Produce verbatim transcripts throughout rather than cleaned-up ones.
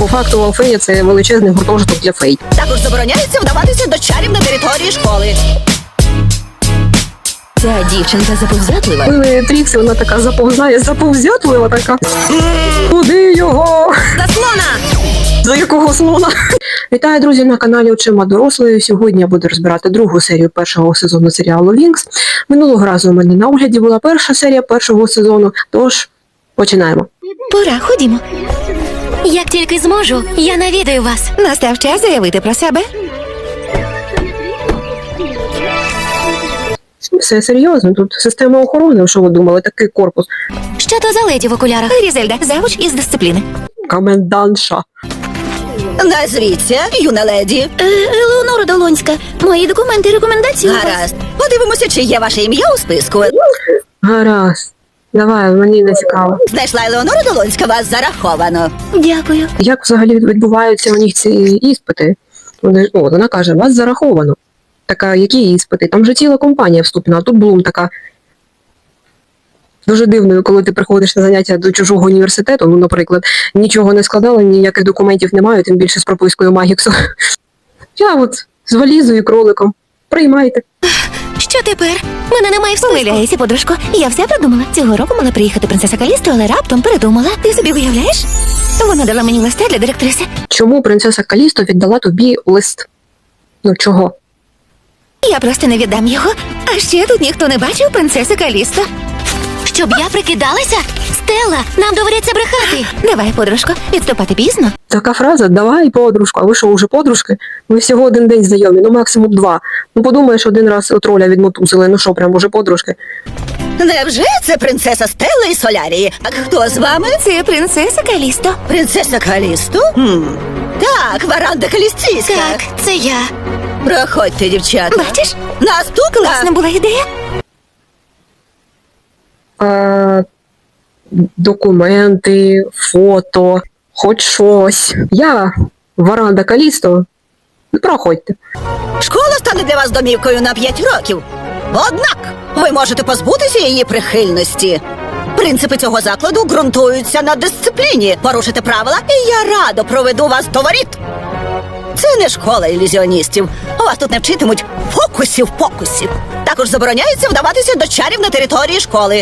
По факту Алфея – це величезний гуртожиток для фей. Також забороняється вдаватися до чарів на території школи. Ця дівчинка заповзятлива. Коли Тріксі, вона така заповзає, заповзятлива така. Куди його? Заслона! За якого слона? Вітаю, друзі, на каналі Очима дорослої. Сьогодні я буду розбирати другу серію першого сезону серіалу Вінкс. Минулого разу у мене на огляді була перша серія першого сезону, тож починаємо. Пора, ходімо. Як тільки зможу, я навідаю вас. Настав час заявити про себе. Все серйозно, тут система охорони, що ви думали, такий корпус. Що то за леді в окулярах? Різельда, завуч із дисципліни. Комендантша. Назвіться, юна леді. Е, Елеонора Долонська. Мої документи і рекомендації у вас. Гаразд. Подивимося, чи є ваше ім'я у списку. Гаразд. Давай, мені не цікаво. Знайшла Елеонора Долонська, вас зараховано. Дякую. Як взагалі відбуваються у них ці іспити? Вони, о, вона каже, вас зараховано. Така, які іспити? Там же ціла компанія вступна, а тут Блум така дуже дивною, коли ти приходиш на заняття до чужого університету, ну, наприклад, нічого не складала, ніяких документів немає, тим більше з пропискою Магіксу. Я от з валізою і кроликом. Приймайте. Що тепер? Мене немає в списку. Помиляєшся, подружко. Я все продумала. Цього року мала приїхати принцеса Калісто, але раптом передумала. Ти собі виявляєш? Вона дала мені листа для директриси. Чому принцеса Калісто віддала тобі лист? Ну, чого? Я просто не віддам його. А ще тут ніхто не бачив принцеси Калісто. Щоб я прикидалася? Стелла, нам доведеться брехати. Давай, подружко, відступати пізно. Така фраза «давай, подружку», а ви що, вже подружки? Ви всього один день знайомі, ну максимум два. Ну подумаєш, один раз от роля відмотузили, ну що, прям уже подружки. Невже це принцеса Стелла і Солярії? А хто з вами? Це принцеса Калісто. Принцеса Калісту? Хм. Так, Варанда Калістійська. Так, це я. Проходьте, дівчата. Бачиш? Наступна. Класна була ідея. А, документи, фото, хоч щось. Я, Варанда Калісто, проходьте. Школа стане для вас домівкою на п'ять років. Однак ви можете позбутися її прихильності. Принципи цього закладу ґрунтуються на дисципліні. Порушите правила, і я радо проведу вас до воріт. Це не школа ілюзіоністів. Вас тут не вчитимуть фокусів-покусів. Також забороняється вдаватися до чарів на території школи.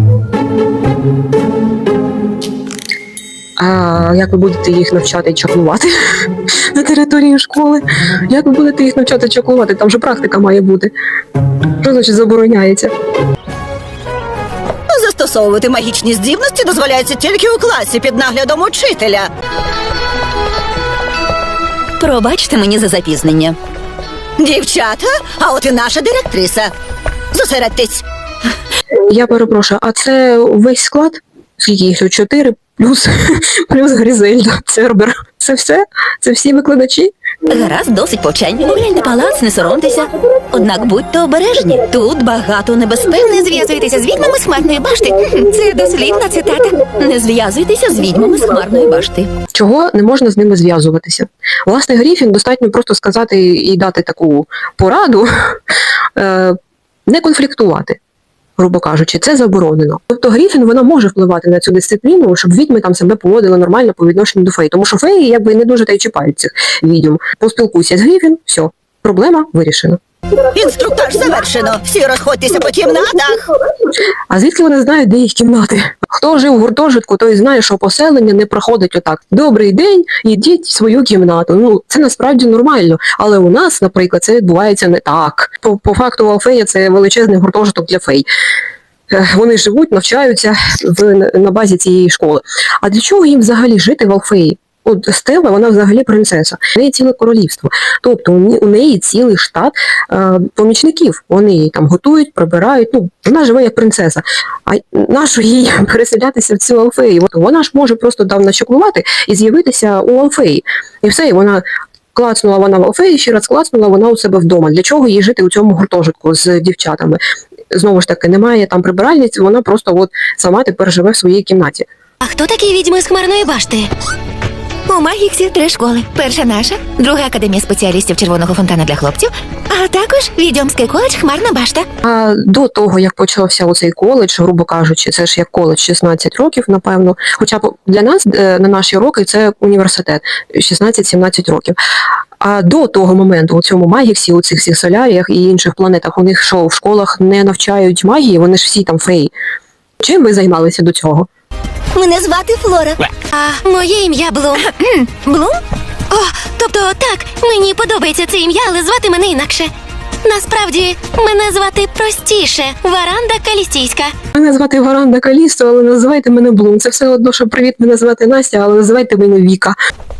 А як ви будете їх навчати чаклувати на території школи? Як ви будете їх навчати чаклувати? Там же практика має бути. Що значить забороняється? Застосовувати магічні здібності дозволяється тільки у класі під наглядом учителя. Пробачте мені за запізнення. Дівчата, а от і наша директриса. Зосередьтесь. Я перепрошую, а це весь склад? Скільки їх тут? Чотири плюс, плюс Грізельда, Цербер. Це все? Це всі викладачі? Гаразд, досить повчань. Огляньте палац, не соромтеся. Однак будьте обережні. Тут багато небезпек. Не зв'язуйтеся з відьмами з Хмарної башти. Це дослівна цитата. Не зв'язуйтеся з відьмами з Хмарної башти. Чого не можна з ними зв'язуватися? Власне, Гріфін достатньо просто сказати і дати таку пораду, е, не конфліктувати, грубо кажучи, це заборонено. Тобто Гріфін, вона може впливати на цю дисципліну, щоб відьми там себе поводили нормально по відношенню до фей. Тому що феї якби не дуже та й чіпають цих відьм. Поспілкуйся з Гріфін, все, проблема вирішена. Інструктаж завершено. Всі розходьтеся по кімнатах. А звідки вони знають, де їх кімнати? Хто жив у гуртожитку, той знає, що поселення не проходить отак. Добрий день, ідіть в свою кімнату. Ну, це насправді нормально. Але у нас, наприклад, це відбувається не так. По, по факту Алфея – це величезний гуртожиток для фей. Вони живуть, навчаються в, на базі цієї школи. А для чого їм взагалі жити в Алфеї? От Стелла, вона взагалі принцеса. У неї ціле королівство. Тобто у неї цілий штат е, помічників. Вони її там готують, прибирають. Ну, вона живе як принцеса. А нащо їй переселятися в цю Алфею? От вона ж може просто там начаклувати і з'явитися у Алфеї. І все, і вона клацнула вона в Алфеї, ще раз клацнула вона у себе вдома. Для чого їй жити у цьому гуртожитку з дівчатами? Знову ж таки, немає там прибиральниць, вона просто от сама тепер живе в своїй кімнаті. А хто такі відьми з Хмарної башти? У Магіксі три школи. Перша наша, друга академія спеціалістів червоного фонтана для хлопців, а також Відьомський коледж Хмарна башта. А до того, як почався оцей коледж, грубо кажучи, це ж як коледж шістнадцять років, напевно. Хоча б для нас, е, на наші роки, це університет шістнадцять-сімнадцять років. А до того моменту у цьому Магіксі, у цих всіх соляріях і інших планетах, у них що, в школах не навчають магії, вони ж всі там феї. Чим ви займалися до цього? Мене звати Флора. А моє ім'я Блум. Блум? О, тобто так, мені подобається це ім'я, але звати мене інакше. Насправді, мене звати простіше. Варанда Калістійська. Мене звати Варанда Калісто, але називайте мене Блум. Це все одно, що привіт, мене звати Настя, але називайте мене Віка.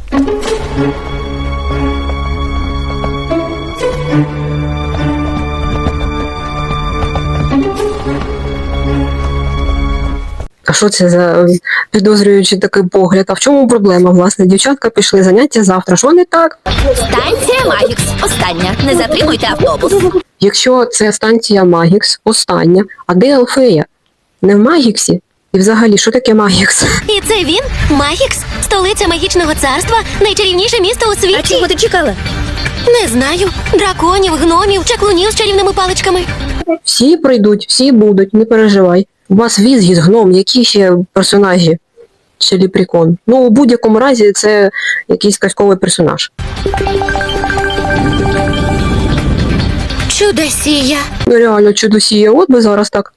А що це за підозрюючий такий погляд? А в чому проблема, власне? Дівчатка пішли, заняття завтра. Що не так? Станція Магікс. Остання. Не затримуйте автобус. Якщо це станція Магікс, остання, а де Алфея? Не в Магіксі? І взагалі, що таке Магікс? І це він? Магікс? Столиця магічного царства? Найчарівніше місто у світі? А чого ти чекала? Не знаю. Драконів, гномів, чаклунів з чарівними паличками. Всі прийдуть, всі будуть, не переживай. У вас візгіз, гном, які ще персонажі? Чи ліпрікон? Ну, у будь-якому разі це якийсь казковий персонаж. Чудосія. Ну реально чудосія, от би зараз так.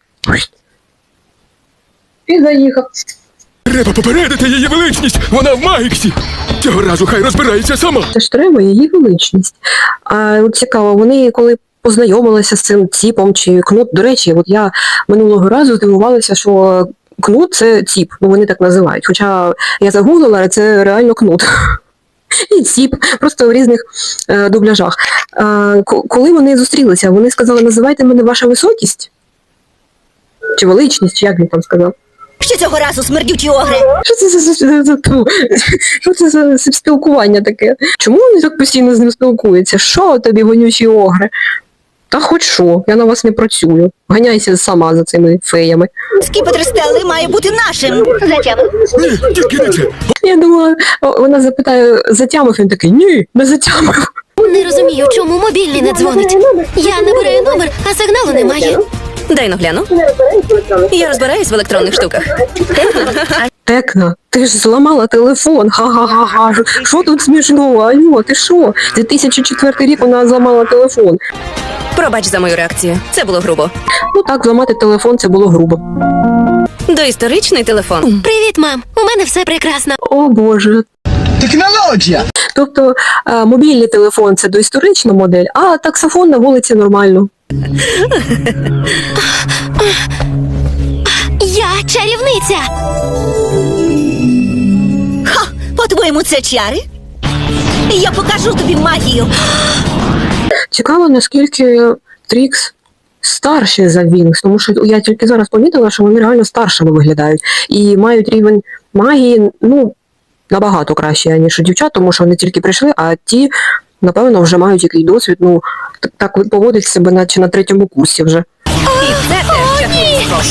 І заїхав. Треба попередити її величність! Вона в Магіксі! Цього разу хай розбирається сама! Це ж треба, її величність. А от цікаво, вони коли познайомилися з цим ціпом чи кнут, до речі, от я минулого разу здивувалася, що кнут це ціп, ну вони так називають. Хоча я загуглила, але це реально кнут. І ціп, просто в різних е, дубляжах. Е, коли вони зустрілися, вони сказали, називайте мене ваша високість? Чи величність, чи як він там сказав? Що цього разу смердючі огри? Що це за, за, за, за, ту? Що це за спілкування таке? Чому вони так постійно з ним спілкуються? Що тобі, вонючі огри? Та хоч що, я на вас не працюю. Ганяйся сама за цими феями. Скіпетр Стелли має бути нашим. Ні, тільки не це! Я думала, о, вона запитає, затямив, він такий, ні, не затямив. Не розумію, чому мобільний не дзвонить. Я набираю номер, а сигналу немає. Дай ну гляну. Я розбираюсь в електронних штуках. Текна, ти ж зламала телефон, ха-ха-ха-ха. Що тут смішного? Алло, ти що? дві тисячі четвертий рік вона зламала телефон. Пробач за мою реакцію. Це було грубо. Ну так, зламати телефон, це було грубо. Доісторичний телефон. Привіт, мам. У мене все прекрасно. О боже. Технологія! Тобто е, мобільний телефон – це доісторична модель, а таксофон на вулиці нормально. Я чарівниця. Ха! По-твоєму, це чари? Я покажу тобі магію. Цікаво, наскільки Трікс старші за Вінкс, тому що я тільки зараз помітила, що вони реально старшими виглядають і мають рівень магії, ну, набагато краще, ніж у дівчат, тому що вони тільки прийшли, а ті, напевно, вже мають якийсь досвід, ну, так, так поводять себе, наче на третьому курсі вже. І це теж чарівний скок.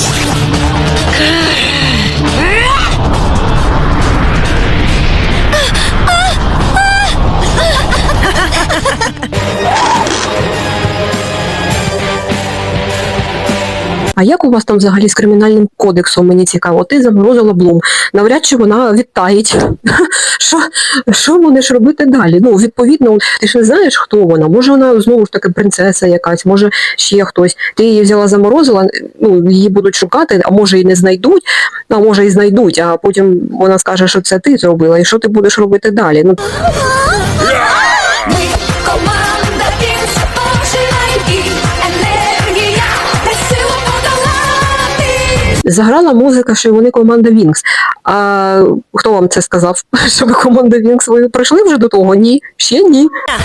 А як у вас там взагалі з кримінальним кодексом, мені цікаво? Ти заморозила Блум. Навряд чи вона відтаїть. Що, що будеш робити далі? Ну, відповідно, ти ж не знаєш, хто вона. Може вона знову ж таки принцеса якась, може ще хтось. Ти її взяла, заморозила, ну, її будуть шукати, а може і не знайдуть, а може і знайдуть, а потім вона скаже, що це ти зробила, і що ти будеш робити далі? Ну, Ми команда Вінкс, оживай і енергія, та сила подолати. заграла музика, що вони команда Вінкс. А хто вам це сказав? Що ви команда Вінкс? Ви прийшли вже до того? Ні. Ще ні.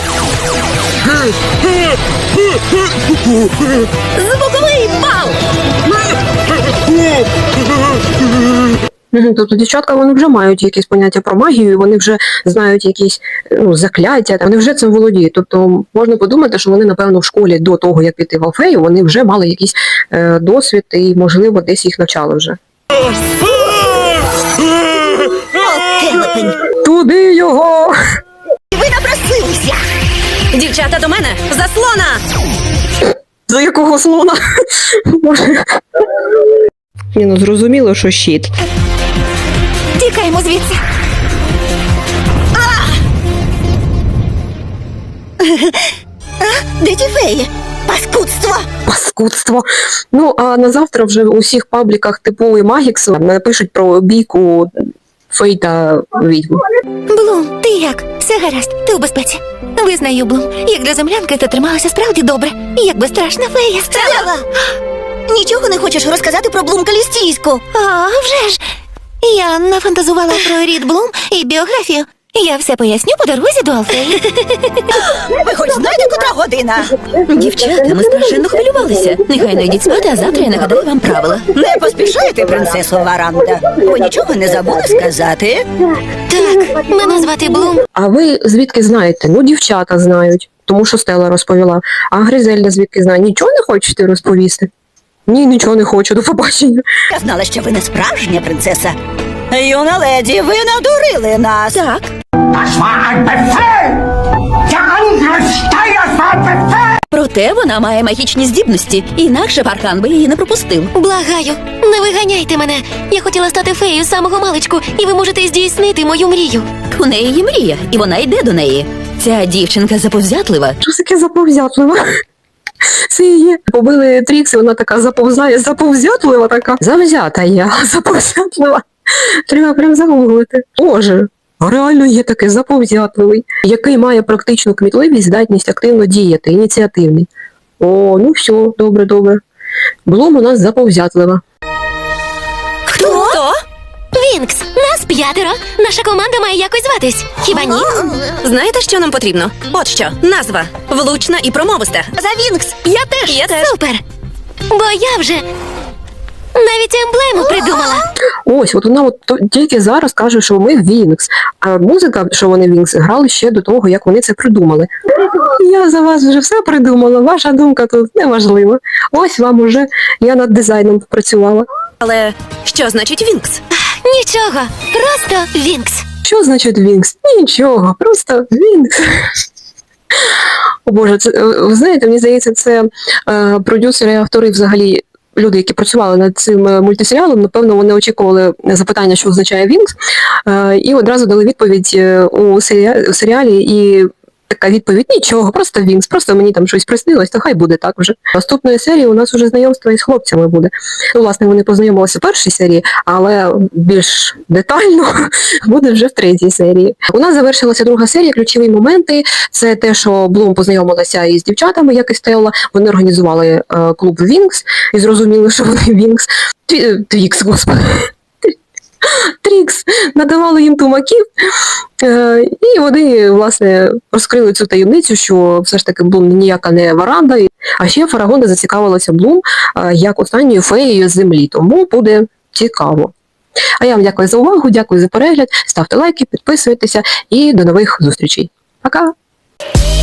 Звуковий бал! Мгм, тобто дівчатка, вони вже мають якесь поняття про магію, вони вже знають якісь, ну, закляття, вони вже цим володіють. Тобто можна подумати, що вони, напевно, в школі до того, як піти в Алфею, вони вже мали якийсь е, досвід і, можливо, десь їх навчали вже. Окей. велетень. Туди його! Ви напросилися. Дівчата до мене! Заслона! За якого слона? Боже. Ні, ну зрозуміло, що щит. Тікаємо звідси. Де ті феї? Паскудство. Паскудство. Ну, а на завтра вже у всіх пабліках типу і Магіксу напишуть про бійку фей та відьму. Блум, ти як? Все гаразд, ти у безпеці. Визнаю, Блум, як для землянки ти трималася справді добре. Як безстрашна фея. Стелла! Нічого не хочеш розказати про Блум Калістійську? А, вже ж. Я нафантазувала про рід Блум і біографію. Я все поясню по дорозі до Алфеї. Ви хоч знаєте, котра година? Дівчата, ми страшенно хвилювалися. Нехай не йдіть спати, а завтра я нагадаю вам правила. Не поспішайте, принцесо Варанда. Ви нічого не забули сказати? Так, мене звати Блум. А ви звідки знаєте? Ну, дівчата знають, тому що Стелла розповіла. А Гризельда звідки знає? Нічого не хочете розповісти? Ні, нічого не хочу, до побачення. Я знала, що ви не справжня принцеса. Юна леді, ви надурили нас. Так, Das war ein Befehl! Der Angriff Steyrs war ein Befehl! проте вона має магічні здібності, інакше Паркан би її не пропустив. Благаю, не виганяйте мене. Я хотіла стати феєю з самого маличку, і ви можете здійснити мою мрію. У неї є мрія, і вона йде до неї. Ця дівчинка заповзятлива. Що таке заповзятлива? Це її побили Трікс, і вона така заповзає, заповзятлива така. Завзята я, заповзятлива. Треба прям загуглити. Боже, а реально є такий заповзятливий, який має практичну кмітливість, здатність активно діяти, ініціативний. О, ну все, добре, добре. Блум у нас заповзятлива. Хто? Хто? Вінкс, нас п'ятеро. Наша команда має якось зватись. Хіба ні? Знаєте, що нам потрібно? От що, назва. Влучна і промовиста. За Вінкс! Я теж, я теж. Супер! Бо я вже навіть емблему придумала. Ось, от вона от то- тільки зараз каже, що ми Вінкс. А музика, що вони Вінкс, грали ще до того, як вони це придумали. Я за вас вже все придумала, ваша думка тут неважлива. Ось вам уже, я над дизайном працювала. Але що значить Вінкс? Нічого, просто Вінкс. Що значить Вінкс? Нічого, просто Вінкс. О Боже, це, е, ви знаєте, мені здається, це е, продюсери, автори взагалі, люди, які працювали над цим е, мультисеріалом, напевно, вони очікували запитання, що означає Вінкс, е, і одразу дали відповідь е, у, серіалі, у серіалі, і така відповідь: нічого, просто Вінкс, просто мені там щось приснилось, то хай буде так вже. Наступної серії у нас вже знайомство із хлопцями буде. Ну, власне, вони познайомилися в першій серії, але більш детально буде вже в третій серії. У нас завершилася друга серія, ключові моменти. Це те, що Блум познайомилася із дівчатами, як і Стелла. Вони організували е, клуб Вінкс і зрозуміли, що вони Вінкс. Тві- Твікс, господи. Трікс надавали їм тумаків, е, і вони, власне, розкрили цю таємницю, що все ж таки Блум ніяка не Варанда. А ще Фарагонда зацікавилася Блум е, як останньою феєю з землі, тому буде цікаво. А я вам дякую за увагу, дякую за перегляд, ставте лайки, підписуйтеся і до нових зустрічей. Пока!